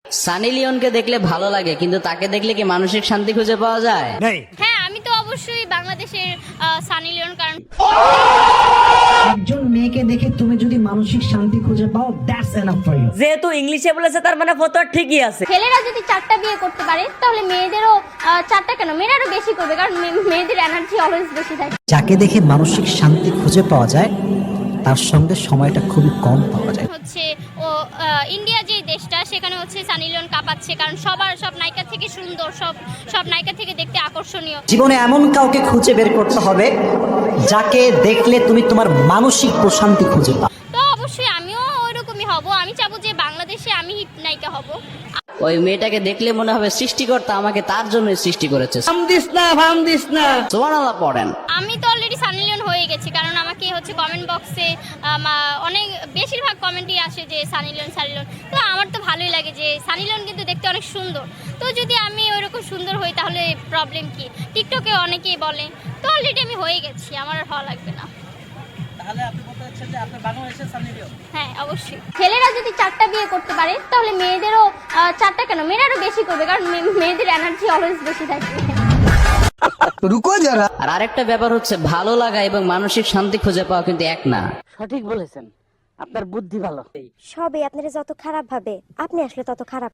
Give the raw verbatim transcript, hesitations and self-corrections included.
সানি লিওনকে দেখলে ভালো লাগে, কিন্তু তাকে দেখলে কি মানসিক শান্তি খুঁজে পাওয়া যায়? হ্যাঁ, আমি তো অবশ্যই বাংলাদেশের আহ, সানি লিওন, কারণ একজন মেয়েকে দেখে তুমি যদি মানসিক শান্তি খুঁজে পাও, দ্যাটস এনাফ ফর ইউ। যেহেতু ইংলিশে বলেছে তার মানে ফতোয়া ঠিকই আছে। ছেলেরা যদি চারটা বিয়ে করতে পারে তাহলে মেয়েদেরও আহ, চারটা কেন, মেয়েরাও বেশি করবে, কারণ মে- মেয়েদের এনার্জি অলওয়েজ বেশি থাকে। যাকে দেখে মানসিক শান্তি খুঁজে পাওয়া যায়, তার সঙ্গে সময়টা খুবই কম পাওয়া যায়। হচ্ছে ও আহ, ইন্ডিয়া যে দেশটা, সেখানে হচ্ছে সানি লিওন কাঁপাচ্ছে, কারণ সবার সব নায়িকা থেকে সুন্দর, সব সব নায়িকা থেকে দেখতে আকর্ষণীয়। জীবনে এমন কাউকে খুঁজে বের করতে হবে যাকে দেখলে তুমি তোমার মানসিক প্রশান্তি খুঁজে পাও। তো অবশ্যই আমিও ওইরকমই হব, আমি চাবো যে বাংলাদেশে আমি হিট নায়িকা হব। ওই মেয়েটাকে দেখলে মনে হবে সৃষ্টিকর্তা আমাকে তার জন্যই সৃষ্টি করেছে। ভাম দিস না, ভাম দিস না। সুবহানাল্লাহ পড়েন। আমি তো অলরেডি সানি লিওন হয়ে গেছি, কারণ আমাকে হচ্ছে কমেন্ট বক্সে অনেক বেশিরভাগ কমেন্টই আসে যে সানি লিওন সানি লিওন। তো আমার তো ভালোই লাগে যে সানি লিওন কিন্তু দেখতে অনেক সুন্দর। তো যদি আমি ওইরকম সুন্দর হই তাহলে প্রবলেম কি? টিকটকে অনেকেই বলে, তো অলরেডি আমি হয়ে গেছি, আমার আর হওয়া লাগবে না। তাহলে আপনি বলতে চাচ্ছেন যে আপনি বাংলাদেশের সানি লিওন? হ্যাঁ, অবশ্যই। ছেলেরা যদি চারটা বিয়ে করতে পারে তাহলে মেয়েদেরও আহ, চারটা কেন, মেয়েরাও বেশি করবে, কারণ মে- মেয়েদের এনার্জি অলওয়েজ বেশি থাকে। আর আরেকটা ব্যাপার হচ্ছে, ভালো লাগা এবং মানসিক শান্তি খুঁজে পাওয়া কিন্তু এক না। সঠিক বলেছেন, আপনার বুদ্ধি ভালো। সবে আপনারা যত খারাপ ভাবে, আপনি আসলে তত খারাপ।